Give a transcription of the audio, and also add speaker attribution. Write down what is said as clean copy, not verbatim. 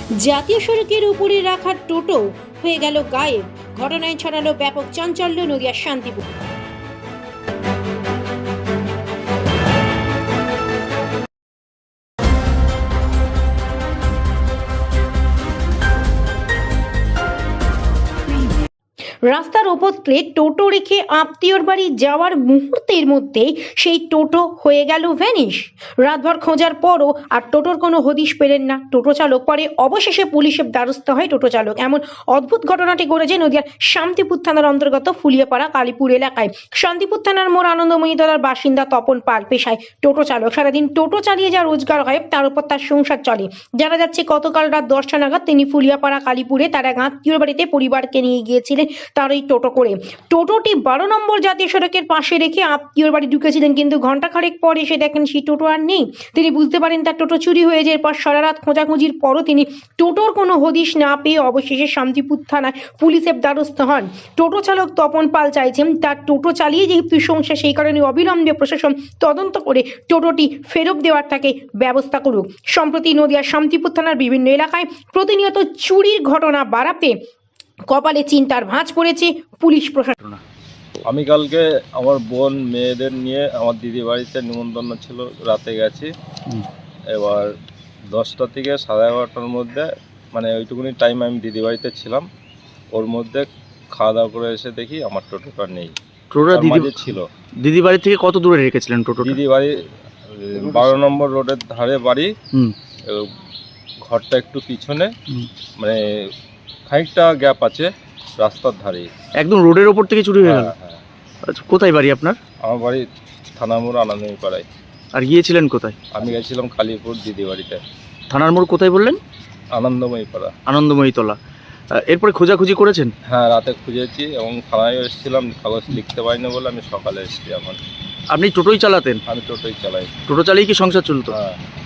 Speaker 1: জাতীয় সড়কের উপরে রাখা টোটো হয়ে গেল গায়েব। ঘটনায় ছড়ালো ব্যাপক চাঞ্চল্য নদিয়ার শান্তিপুর। রাস্তার ওপর থেকে টোটো রেখে আত্মীয়র বাড়ি যাওয়ার মুহূর্তের মধ্যেই সেই টোটো হয়ে গেল ভ্যানিশ। রাতভর খোঁজার পরও আর টোটোর কোনো হদিশ পেলেন না টোটো চালক। পরে অবশেষে পুলিশের দ্বারস্থ হয় টোটো চালক। এমন অদ্ভুত ঘটনাটি ঘটেছে নদিয়ার শান্তিপুর থানার অন্তর্গত ফুলিয়াপাড়া কালীপুর এলাকায়। শান্তিপুর থানার মোড় আনন্দময়ী তলার বাসিন্দা তপন পাল, পেশায় টোটো চালক। সারাদিন টোটো চালিয়ে যা রোজগার হয় তার উপর তার সংসার চলে। জানা যাচ্ছে গতকাল রাত 10টা নাগাদ তিনি ফুলিয়াপাড়া কালীপুরে তার এক আত্মীয়র বাড়িতে পরিবারকে নিয়ে গিয়েছিলেন তার এই টোটো করে। টোটোটি 12 নম্বর জাতীয় সড়কের পাশে রেখে আত্মীয়র বাড়ি ঢুকেছিলেন, কিন্তু ঘন্টা খানেক পর এসে দেখেন সেই টোটো আর নেই। তিনি বুঝতে পারেন তার টোটো চুরি হয়ে যায়। এরপর সারা রাত খোঁজাখুঁজির পরও তিনি টোটোর কোনো হদিশ না পেয়ে অবশেষে শান্তিপুর থানায় পুলিশের দ্বারস্থ হন। টোটো চালক তপন পাল চাইছেন তার টোটো চালিয়ে যেহেতু সংসার, সেই কারণে অবিলম্বে প্রশাসন তদন্ত করে টোটোটি ফেরত দেওয়ার তাকে ব্যবস্থা করুক। সম্প্রতি নদিয়ার শান্তিপুর থানার বিভিন্ন এলাকায় প্রতিনিয়ত চুরির ঘটনা বাড়াতে কপালে চিন্তার ভাঁজ পড়েছে পুলিশ প্রশাসন।
Speaker 2: আমি কালকে আমার বোন মেয়েদের নিয়ে আমার দিদি বাড়িতে নিমন্ত্রণ ছিল, রাতে গেছি। এবার 10টা থেকে 11:30টার মধ্যে, মানে ওইটুকুনি টাইম আমি দিদি বাড়িতে ছিলাম। ওর মধ্যে খাওয়া দাওয়া করে এসে দেখি আমার টোটোটা নেই।
Speaker 3: টোটোটা দিদি
Speaker 2: ছিল।
Speaker 3: দিদি বাড়ি থেকে কত দূরে রেখেছিলেন টোটোটা?
Speaker 2: দিদি বাড়ি 12 নম্বর রোডের ধারে বাড়ি। ঘরটা একটু পিছনে, মানে খানিকটা গ্যাপ আছে রাস্তার ধারে।
Speaker 3: একদম রোডের ওপর থেকে চুরি হয়ে গেল?
Speaker 2: হ্যাঁ।
Speaker 3: আচ্ছা, কোথায় বাড়ি আপনার?
Speaker 2: আমার বাড়ি থানা মোড় আনন্দময়ী পাড়ায়।
Speaker 3: আর গিয়েছিলেন কোথায়?
Speaker 2: আমি গেছিলাম কালীপুর দিদি বাড়িতে।
Speaker 3: থানার মোড় কোথায় বললেন?
Speaker 2: আনন্দময়ী পাড়া,
Speaker 3: আনন্দময়ী তলা। এরপরে খোঁজাখুঁজি করেছেন?
Speaker 2: হ্যাঁ, রাতে খুঁজেছি এবং থানায় এসেছিলাম, কাগজ লিখতে পারিনি বলে আমি সকালে এসেছি। এখন
Speaker 3: আপনি টোটোই চালাতেন?
Speaker 2: আমি টোটোই চালাই।
Speaker 3: টোটো চালিয়ে কি সংসার চলতো?
Speaker 2: হ্যাঁ।